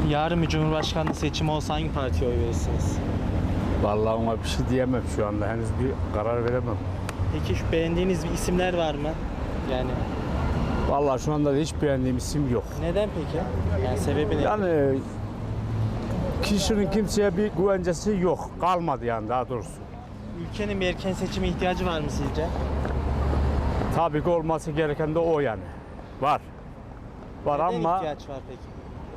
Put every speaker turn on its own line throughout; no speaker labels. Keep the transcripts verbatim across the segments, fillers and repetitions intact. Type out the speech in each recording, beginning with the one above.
Yarın bir Cumhurbaşkanlığı seçimi olsa hangi partiye oy verirsiniz?
Vallahi ona bir şey diyemem şu anda. Henüz bir karar veremem.
Peki şu beğendiğiniz bir isimler var mı? Yani
Vallahi şu anda da hiç beğendiğim isim yok.
neden peki? Yani sebebi ne?
Yani kişinin kimseye bir güvencesi yok. Kalmadı yani daha doğrusu.
Ülkenin bir erken seçime ihtiyacı var mı sizce?
Tabii ki olması gereken de o yani. Var. Var
Neden
ama
ihtiyaç var peki?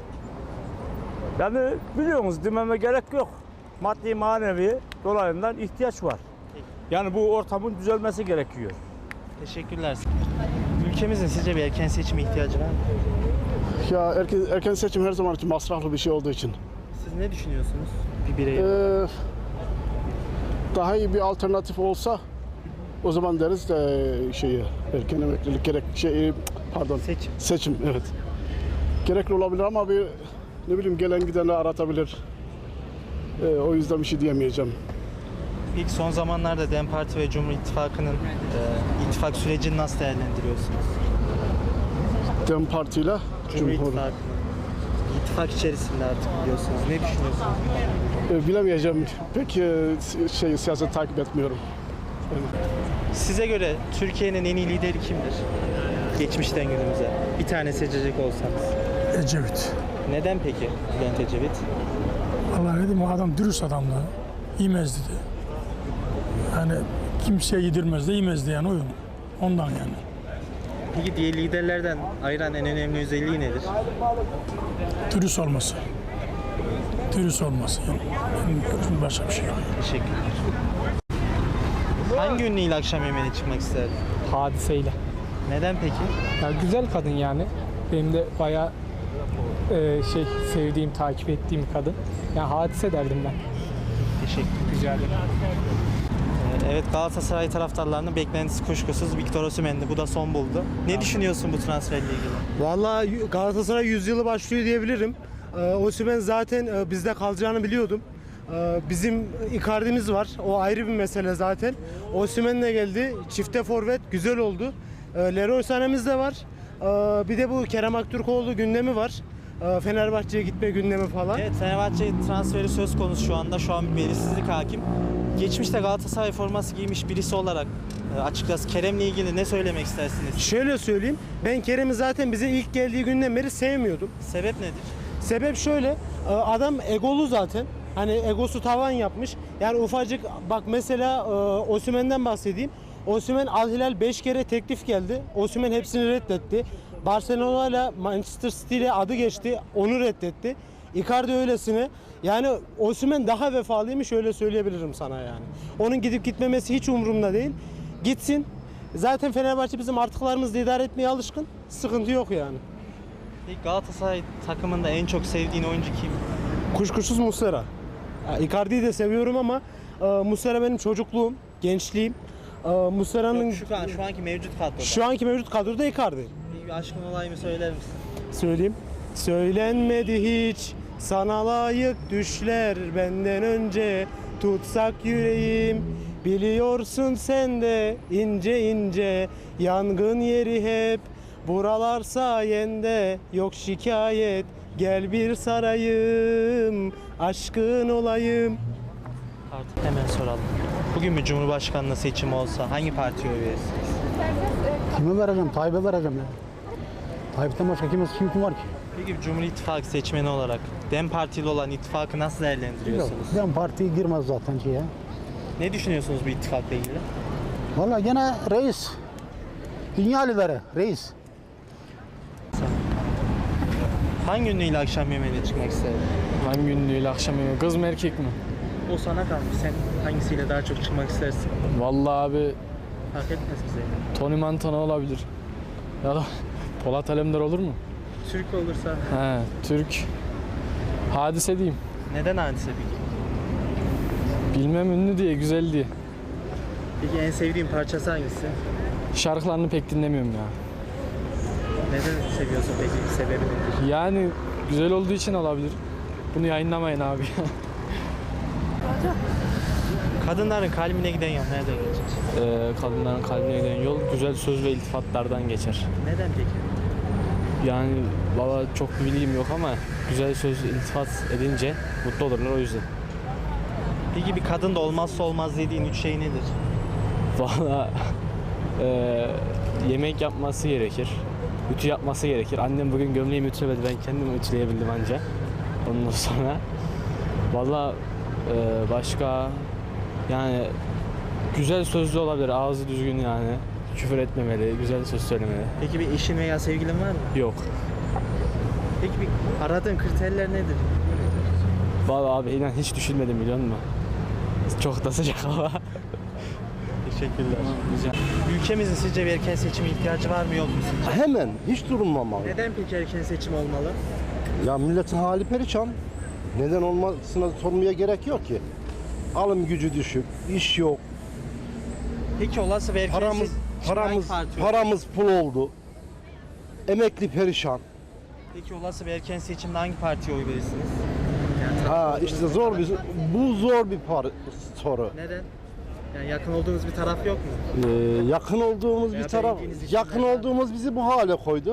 yani biliyorsunuz dememe gerek yok. Maddi manevi dolayından ihtiyaç var.
Peki.
Yani bu ortamın düzelmesi gerekiyor.
Teşekkürler. Ülkemizin sizce bir erken seçime ihtiyacı var mı?
Ya erken, erken seçim her zaman için masraflı bir şey olduğu için.
Siz ne düşünüyorsunuz? Bir birey.
Ee, daha iyi bir alternatif olsa o zaman deriz de şeyi erken emeklilik gerek şey pardon
Seçim.
seçim evet. Gerekli olabilir ama bir ne bileyim gelen gideni aratabilir. Ee, o yüzden bir şey diyemeyeceğim.
İlk son zamanlarda DEM Parti ve Cumhur İttifakı'nın e, ittifak sürecini nasıl değerlendiriyorsunuz?
Dem Parti ile
Cumhur
Cumhur.
İttifakı. İttifak içerisinde artık biliyorsunuz. Ne düşünüyorsunuz?
Ee, bilemeyeceğim. Pek e, şey siyaset takip etmiyorum.
Size göre Türkiye'nin en iyi lideri kimdir? Geçmişten günümüze. Bir tane seçecek olsanız.
Ecevit.
Neden peki Bülent Ecevit?
Allah ne diyeyim, o adam dürüst adamdı. İmezdi de. Yani kimseye yedirmezdi, yemezdi yani oyun. Ondan yani.
Peki diğer liderlerden ayıran en önemli özelliği nedir?
Dürüst olması. Dürüst olması yani. Benim gördüğüm başka bir şey yok.
Teşekkürler. Hangi ünlüyle akşam yemeğine çıkmak isterdin?
Hadiseyle.
Neden peki?
Ya güzel kadın yani. Benim de bayağı e, şey sevdiğim, takip ettiğim kadın. Yani Hadise derdim ben.
Teşekkür
Rica ederim.
Evet, Galatasaray taraftarlarının beklentisi kuşkusuz Victor Osimhen'di. Bu da son buldu. Ne düşünüyorsun bu transferle ilgili?
Vallahi Galatasaray yüzyılı başlıyor diyebilirim. Ee, Osimhen zaten e, bizde kalacağını biliyordum. Ee, bizim Icardi'miz var. O ayrı bir mesele zaten. Osimhen de geldi. Çifte forvet güzel oldu. Ee, Leroy Sané'miz de var. Ee, bir de bu Kerem Aktürkoğlu gündemi var. Ee, Fenerbahçe'ye gitme gündemi falan.
Evet, Fenerbahçe transferi söz konusu şu anda. Şu an bir belirsizlik hakim. Geçmişte Galatasaray forması giymiş birisi olarak e, açıkçası Kerem'le ilgili ne söylemek istersiniz?
Şöyle söyleyeyim. Ben Kerem'i zaten bize ilk geldiği günden beri sevmiyordum.
Sebep nedir?
Sebep şöyle, e, adam egolu zaten. Hani egosu tavan yapmış. Yani ufacık bak mesela e, Osimhen'den bahsedeyim. Osimhen Al Hilal beş kere teklif geldi. Osimhen hepsini reddetti. Barcelona ile Manchester City ile adı geçti. Onu reddetti. Icardi öylesine. Yani Osimhen daha vefalıymış öyle söyleyebilirim sana yani. Onun gidip gitmemesi hiç umurumda değil. Gitsin. Zaten Fenerbahçe bizim artıklarımızla idare etmeye alışkın. Sıkıntı yok yani.
Peki Galatasaray takımında en çok sevdiğin oyuncu kim?
Kuşkusuz Muslera. Ya, Icardi'yi de seviyorum ama e, Muslera benim çocukluğum, gençliğim. E, Muslera'nın
Yok, şu, an, şu anki mevcut kadroda.
şu anki mevcut kadroda Icardi.
Bir aşkın olayımı söyler misin?
Söyleyeyim. Söylenmedi hiç sana layık düşler benden önce tutsak yüreğim. Biliyorsun sen de ince ince yangın yeri hep buralar sayende yok şikayet. Gel bir sarayım, aşkın olayım.
Artık hemen soralım. Bugün bir Cumhurbaşkanlığı seçimi olsa hangi partiye oy verirsiniz?
Kime vereceğim? Tayyip'e vereceğim ya. Tayyip'ten başka kim, kim, kim var ki?
Peki bir Cumhur İttifakı seçmeni olarak DEM Partili olan ittifakı nasıl
Yok.
değerlendiriyorsunuz?
Ben partiye girmez zaten ki ya.
Ne düşünüyorsunuz bu ittifakla ilgili?
Vallahi gene reis. Dünya lideri, reis.
Hangi ünlüyle akşam yemeğine çıkmak isterdin?
Hangi ünlüyle akşam yemeği? Kız mı erkek mi?
O sana kalmış. Sen hangisiyle daha çok çıkmak istersin?
Vallahi abi
Fark etmez bize.
Tony Montana olabilir. Ya da Polat Alemdar olur mu?
Türk olursa
He, Türk. Hadise diyeyim.
neden hadise peki?
Bilmem, ünlü diye, güzel diye.
Peki en sevdiğin parçası hangisi?
Şarkılarını pek dinlemiyorum ya.
Neden seviyorsun peki? Sebebi nedir?
Yani güzel olduğu için olabilir. Bunu yayınlamayın abi.
Kadınların kalbine giden yol nereden geçer?
ee, kadınların kalbine giden yol güzel söz ve iltifatlardan geçer.
Neden peki?
Yani valla çok bir bilgim yok ama güzel söz iltifat edince mutlu olurlar o yüzden.
Peki bir kadın da olmazsa olmaz dediğin üç şey nedir?
Valla eee, yemek yapması gerekir. Ütü yapması gerekir. Annem bugün gömleğimi ütülemedi. Ben kendim ütüleyebildim anca. Ondan sonra valla eee, başka yani güzel sözlü olabilir. Ağzı düzgün yani. Küfür etmemeli, güzel söz söylemeli.
Peki bir eşin veya sevgilin var mı?
Yok.
Peki bir aradığın kriterler nedir?
Valla abi inan hiç düşünmedim biliyor musun? Çok da sıcak hava.
Teşekkürler. Ülkemizin sizce bir erken seçime ihtiyacı var mı yok mu sizce?
Hemen hiç durulmamalı.
Neden peki erken seçim olmalı?
Ya milletin hali perişan. Neden olmasına sormaya gerek yok ki. Alım gücü düşük, iş yok.
Peki olası bir erken
Paramız
seçim
paramız
hangi parti olur?
paramız pul oldu. Emekli perişan.
Peki olası bir erken seçimde hangi partiye oy verirsiniz?
Ha işte zor bir bu zor bir par soru.
Neden? Yani yakın olduğunuz bir taraf yok mu?
Ee, yakın olduğumuz
Veya
bir taraf,
beğendiğiniz için
yakın
neden?
olduğumuz bizi bu hale koydu.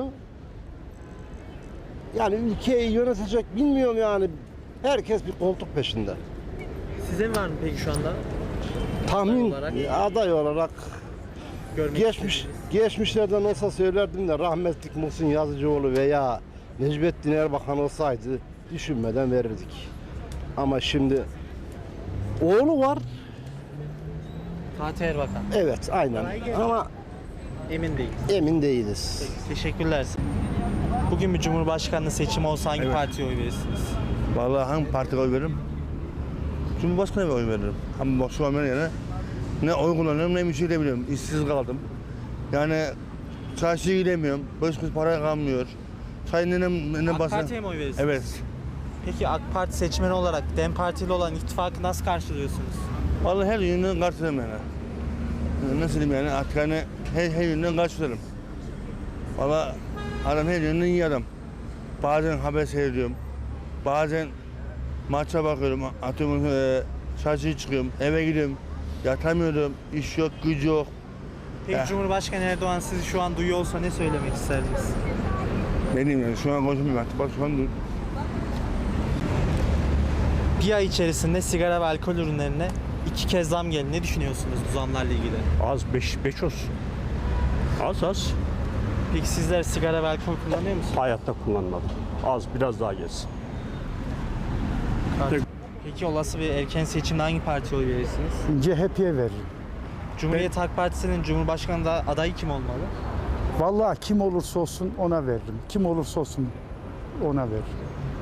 Yani ülkeyi yönetecek bilmiyorum yani. Herkes bir koltuk peşinde.
Sizin var mı peki şu anda?
Tahmin
olarak?
aday olarak
Görmek
geçmiş
istediğiniz?
geçmişlerden olsa söylerdim de rahmetlik Muhsin Yazıcıoğlu veya Necmettin Erbakan olsaydı düşünmeden verirdik. Ama şimdi oğlu var.
Fatih Erbakan.
Evet aynen. Ama
Emin değil.
emin değiliz.
Teşekkürler. Bugün bir cumhurbaşkanlığı seçimi olsa hangi partiye oy verirsiniz?
Vallahi hangi partiye oy veririm? Cumhurbaşkanı'na oy veririm. Ama bak şu an ben yani ne oy kullanıyorum ne bir şey de biliyorum. İşsiz kaldım. Yani çarşıya gidemiyorum. Beş kuruş para kalmıyor. Çay nenem, nenem
AK
basın.
Parti'ye mi oy verirsiniz?
Evet.
Peki AK Parti seçmeni olarak DEM Parti ile olan ittifakı nasıl karşılıyorsunuz?
Vallahi her yönden karşılarım yani. Nasıl diyeyim yani artık hani her, her yönden karşılarım. Vallahi adam her yönden iyi adam. Bazen haber seyrediyorum. Bazen maça bakıyorum. Atıyorum e, çarşıya çıkıyorum. Eve gidiyorum. Yatamıyorum. İş yok, gücü yok.
Peki
Ya.
Cumhurbaşkanı Erdoğan sizi şu an duyuyor olsa ne söylemek isterdiniz?
Benim yani şu an konuşmuyorum artık. Bak şu an dur.
Bir ay içerisinde sigara ve alkol ürünlerine iki kez zam geldi. Ne düşünüyorsunuz bu zamlarla ilgili?
Az beş, beş olsun. Az az.
Peki sizler sigara ve alkol kullanıyor musunuz?
Hayatta kullanmadım. Az biraz daha gelsin.
Peki olası bir erken seçimde hangi partiye oy verirsiniz?
C H P'ye veririm.
Cumhuriyet Halk Partisi'nin Cumhurbaşkanı da adayı kim olmalı?
Vallahi kim olursa olsun ona veririm. Kim olursa olsun ona veririm.